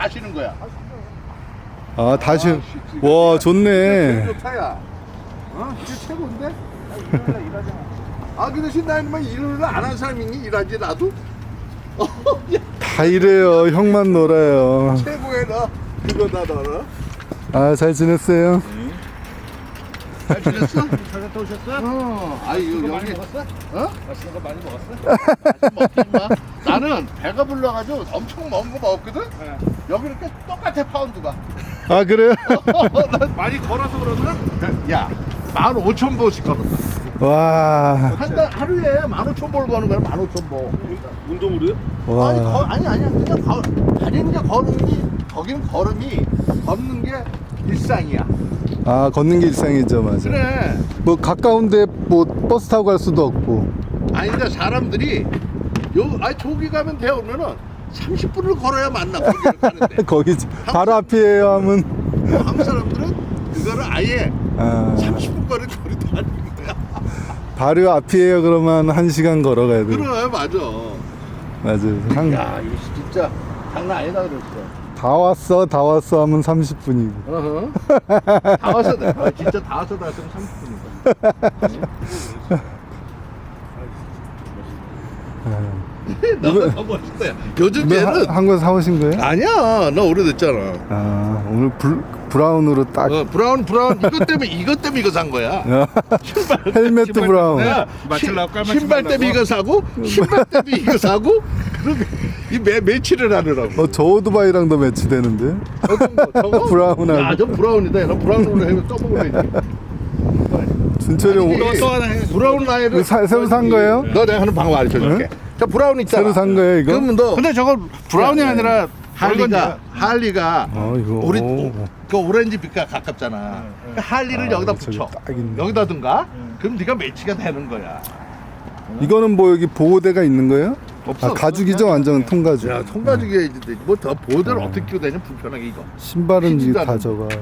하시는 거야. 아 다시 와 좋네. 좋다 야. 이게 최고인데? 그 대신 나는 일을 안 한 사람이 있니? 일하지 나도? 다 이래요. 형만 놀아요. 최고야 너. 그거다 너는. 아 잘 지냈어요? 잘 지냈어? 잘 갔다 오셨어? 이거 많이 여기 먹었어? 맛있는 거 많이 먹었어? 먹지 마. 나는 배가 불러가지고 엄청 먹은 거 먹었거든? 네. 여기 이렇게 똑같아 파운드가. 아 그래요? 많이 걸어서 그러나? 야, 15,000보씩 걸었다. 와. 하루에 15,000보 거는 거야, 15,000보. 운동으로요? 와. 아니야. 그냥 다니는 게 거기는 걸음이 걷는 게 일상이야. 아 걷는 게 일상이죠, 맞아. 그래. 뭐 가까운데 뭐 버스 타고 갈 수도 없고. 그러니까 사람들이 저기 가면 돼요. 그러면은 30분을 걸어야 만나, 거기를 가는데. 거기 바로 앞이에요 하면. 한국 사람들은 그거를 아예 아, 30분 거리도 아닌 거야. 바로 앞이에요 그러면 1시간 걸어가야 돼. 그래, 맞아. 맞아요. 야, 이거 진짜 장난 아니다 그랬어. 다 왔어 하면 30분이고. 어허. 다 와서 진짜 다 와서 다 왔으면 30분이다. 너무 멋있다. 야. 요즘 쟤는 한거 사오신 거예요? 아니야. 너 오래됐잖아. 아 오늘 브라운으로 딱. 브라운 이것 때문에 이거 산 거야. 헬멧 브라운. 맞추려고 깔맞춤 신발 때문에 이거 사고 신발 때문에 이거 사고 그러게 이 매치를 하느라고. 저 오토바이랑도 매치되는데. 저거? 브라운하고. 야, 저 브라운이다. 너 브라운으로 해면 써먹어야지. 준철이 또 하나 해. 브라운 라인을 새로 산 거예요? 너 내가 하는 방법 알려줄게. 저 브라운 있잖아. 새로 산 거예요 이거? 그러면 너 근데 저거 브라운이 아니라 할리가 이거. 우리 오. 그 오렌지 빛과 가깝잖아. 그 할리를 여기다 저기 붙여. 딱 있네. 여기다든가. 그럼 네가 매치가 되는 거야. 이거는 뭐 여기 보호대가 있는 거예요? 없어. 아 가죽이죠 완전 통가죽. 야, 통가죽이 뭐더 보호대를 어떻게 끼고 다니냐 불편하게 이거. 신발은 이게 피지도 다 않은데. 저가.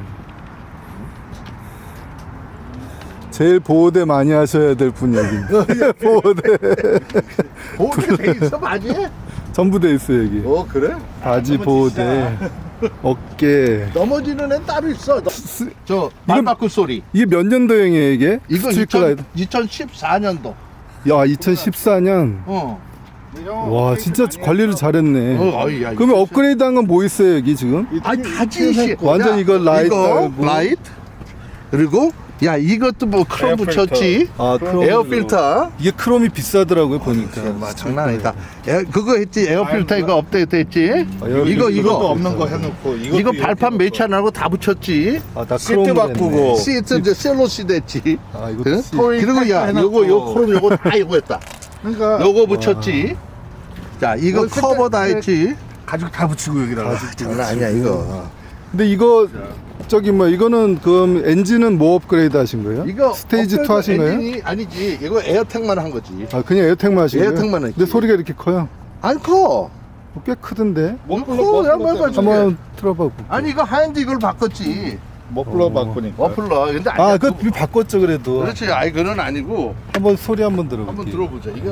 제일 보호대 많이 하셔야 될 분 여기. 보호대 보호대 돼 있어 바지에? 전부 돼 있어 여기. 그래? 바지 보호대, 어깨. 넘어지는 애는 따로 있어. 저 말바꾸 소리. 이게 몇 년도형이에요 이게? 이거 스트리트라이더. 2014년도. 야 2014년. 와 진짜 관리를 잘했네. 야, 그러면 업그레이드한 건 뭐 있어요 여기 지금? 다지 씨. 완전 이거 라이트 이거 달고. 라이트. 그리고 야 이것도 뭐 크롬 붙였지. 아 크롬. 에어 필터. 이게 크롬이 비싸더라고요 보니까. 장난 아니다. 그거 했지. 에어 필터 이거 업데이트 했지. 에어 이거 필터도 없는 거 해놓고 이거 발판 매치 안 하고 다 붙였지. 다 시트 바꾸고. 시트 이제 셀로 시트 했지. 아 이거 그? 씨. 그리고 야 요거 크롬 요거 다 이거 했다. 그러니까 요거 붙였지. 자 이거 커버 다 했지. 가죽 다 붙이고 여기다가. 장난 아니야 이거. 근데 이거 저기 뭐 이거는 그 엔진은 뭐 업그레이드 하신 거예요? 이거 스테이지 2 업그레이드 하신 거예요? 엔진이 아니지. 이거 에어텍만 한 거지. 아 그냥 에어텍만 하신 거예요? 에어텍만 했지. 근데 소리가 이렇게 커요? 안 커. 꽤 크던데. 한번 틀어봐. 아니 이거 하얀데 이걸 바꿨지. 머플러 바꾸니까. 머플러. 근데 아니야. 그거 바꿨죠 그래도. 그렇지. 아이 그건 아니고. 한번 소리 한번 들어볼게요. 한번 들어보자. 이거.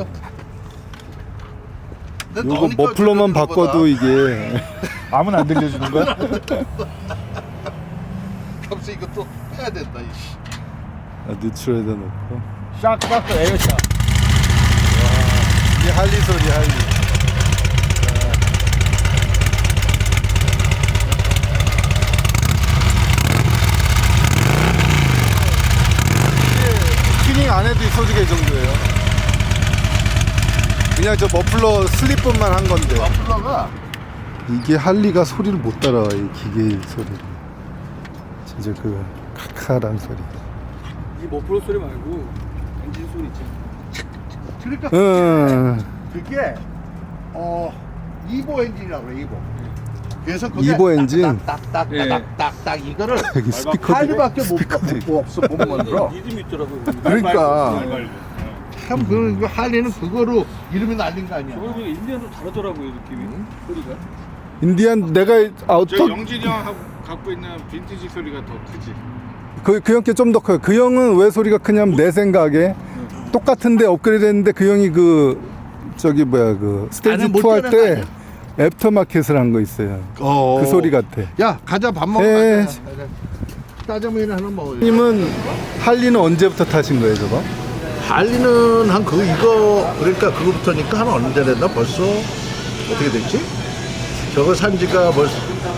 근데 요거 너니까 머플러만 들어보다. 바꿔도 이게 아무나 안 들려주는 거야? 갑자기 이것도 해야 된다. 이씨. 노출에다 놓고. 샥 에어샷. 이게 할리 소리 할리. 튜닝 안 해도 이 소리가 이 정도예요. 그냥 저 머플러 슬립뿐만 한 건데. 머플러가 이게 할리가 소리를 못 따라와 이 기계 소리를. 진짜 그 카카란 소리. 이 머플러 소리 말고 엔진 소리 있지. 그러니까 응. 그게 이보 엔진이라고 그래. 이보. 그래서 그게 이보 엔진? 딱딱딱딱딱 이거를 여기 스피커도 할리밖에 스피커도 있고. 못 없어 못 만들어. 리듬이 있더라고. 그러니까 참 그 할리는 그거로 이름이 날린 거 아니야. 저걸 보니까 인디언도 다르더라고요 느낌이. 소리가. 인디안 내가 저 어떤 영진이 형 갖고 있는 빈티지 소리가 더 크지. 그 형께 좀 더 커요. 그 형은 왜 소리가 크냐면 내 생각에 똑같은데 업그레이드 했는데 그 형이 그 저기 뭐야 그 스테이지 안에 못 2 할 들어간 거 때 아니야? 애프터마켓을 한 거 있어요. 어. 그 소리 같아. 야 가자 밥 먹으러 예. 가자. 짜장면 하나 먹어요. 님은 할리는 언제부터 타신 거예요, 저거? 할리는 한 이거 그러니까 그거부터니까 한 언제 됐나 벌써 어떻게 됐지? 저거 산 지가 벌써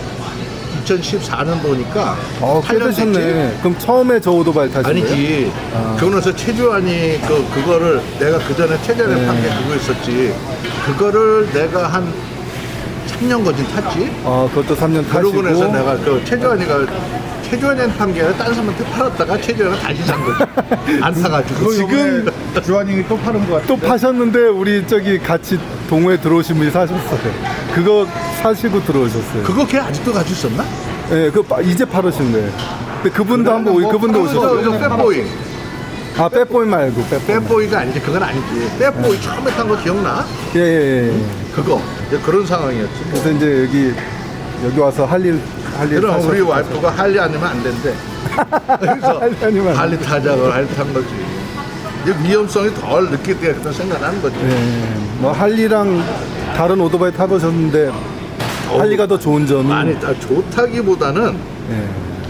2014년도니까 꽤 되셨네. 그럼 처음에 저 오토바이 타신 거예요? 아니지. 아. 그러고 나서 최주환이 그거를 내가 그 전에 최전에 네. 판 게 그거 있었지. 그거를 내가 한 3년 거진 탔지. 그것도 3년 타시고. 그러고 나서 내가 최주환이한테 판 게 아니라 딴 사람한테 팔았다가 최주환이가 다시 산 거지. 안 사가지고. 지금 주환이 또 파는 거 같아. 또 파셨는데 우리 저기 같이 동호회 들어오신 분이 사셨어요. 그거 사시고 들어오셨어요. 그거 걔 아직도 가지고 있었나? 예, 이제 팔으신 거예요. 근데 그분도 한번 그분도 오셨어요. 저 빼보이. 빼보이 말고 빼보이. 빼보이가 아니지. 그건 아니지. 빼보이 처음에 탄 거 기억나? 예. 그거. 이제 그런 상황이었지. 그래서 이제 여기 와서 할일 그럼 타셨- 우리 와이프가 할리 아니면 안 된대. 그래서 할리 아니면 안 할리 타자고 할리 탄 거지. 이제 위험성이 덜 느끼게 되겠다 생각하는 거지. 예. 뭐 할리랑 다른 오토바이 타보셨는데 할리가 더 좋은 점이 아니, 좋다기보다는 예.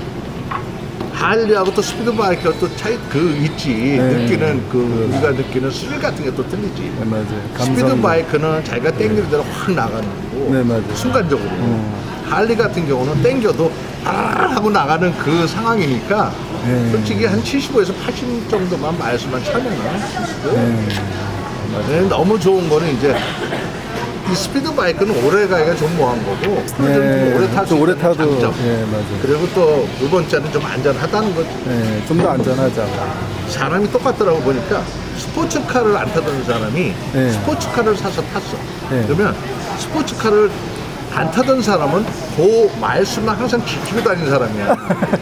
할리하고 또 스피드바이크가 또 차이 있지. 네. 느끼는 우리가 느끼는 스릴 같은 게 또 틀리지. 네, 맞아요. 스피드바이크는 자기가 땡기는 대로 확 나가는 거고 네, 맞아요. 순간적으로. 할리 같은 경우는 땡겨도 하고 나가는 그 상황이니까 네. 솔직히 한 75에서 80 정도만 마일스만 차면은 네, 너무 좋은 거는 이제 이 스피드바이크는 오래 가기가 좀 뭐한 거고 네, 오래 탈 수 좀 오래 있는 타도 장점. 예, 맞아요. 그리고 또 두 번째는 좀 안전하다는 거지. 예, 좀 더 안전하죠. 사람이 똑같더라고 보니까 스포츠카를 안 타던 사람이 네. 스포츠카를 사서 탔어. 네. 그러면 스포츠카를 안 타던 사람은 그 마일수만 항상 지키고 다니는 사람이야.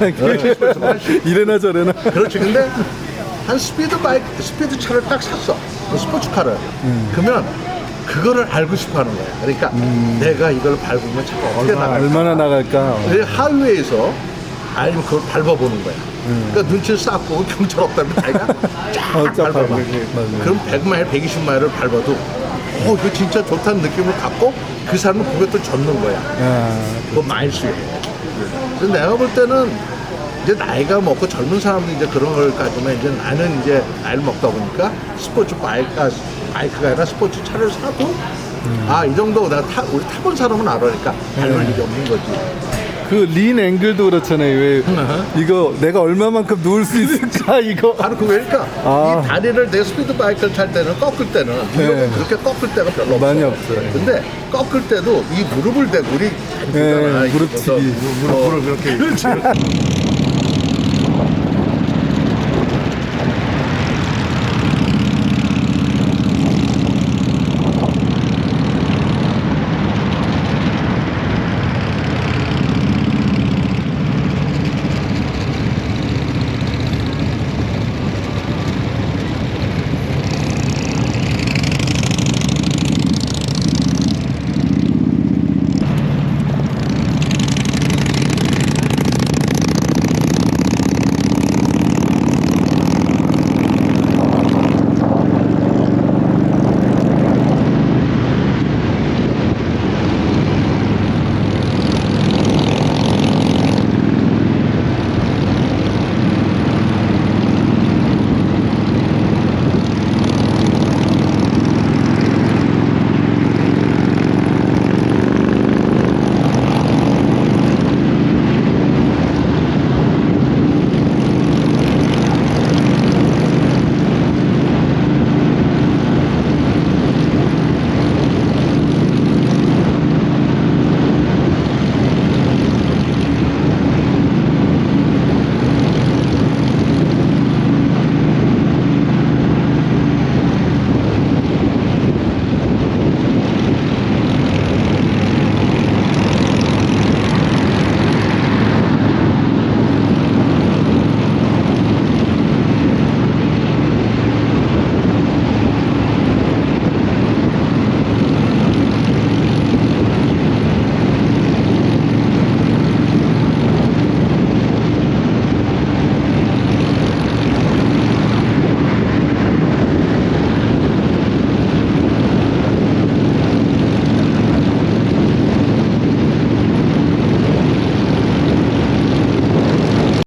이래나 저래나. 그렇지. 근데 한 스피드차를 딱 샀어. 그 스포츠카를. 그러면 그거를 알고 싶어 하는 거야. 그러니까 내가 이걸 밟으면 차가 어떻게 나갈까. 얼마나 나갈까. 하이웨이에서 아니면 그걸 밟아보는 거야. 그러니까 눈치를 쌓고 경찰 없다면 자기가 쫙 쫙 밟아봐. 맞아요. 그럼 100마일, 120마일을 밟아도 이거 진짜 좋다는 느낌을 갖고 그 사람은 그게 또 젖는 거야. 그 마일수에. 그래서 내가 볼 때는 이제 나이가 먹고 젊은 사람들이 이제 그런 걸 가지면 이제 나는 이제 나이를 먹다 보니까 스포츠 바이크가 아니라 스포츠 차를 사도 이 정도 내가 우리 타본 사람은 알아니까 밟을 일이 없는 거지. 그 린 앵글도 그렇잖아요. 왜 이거 내가 얼마만큼 누울 수 있을까 이거. 바로 그거니까 이 다리를 내 스피드 바이크를 탈 때는 꺾을 때는 네. 그렇게 꺾을 때가 별로 없어. 많이 없어요. 근데 꺾을 때도 이 무릎을 대고 우리 안 네, 주잖아. 무릎치기. 무릎을 그렇게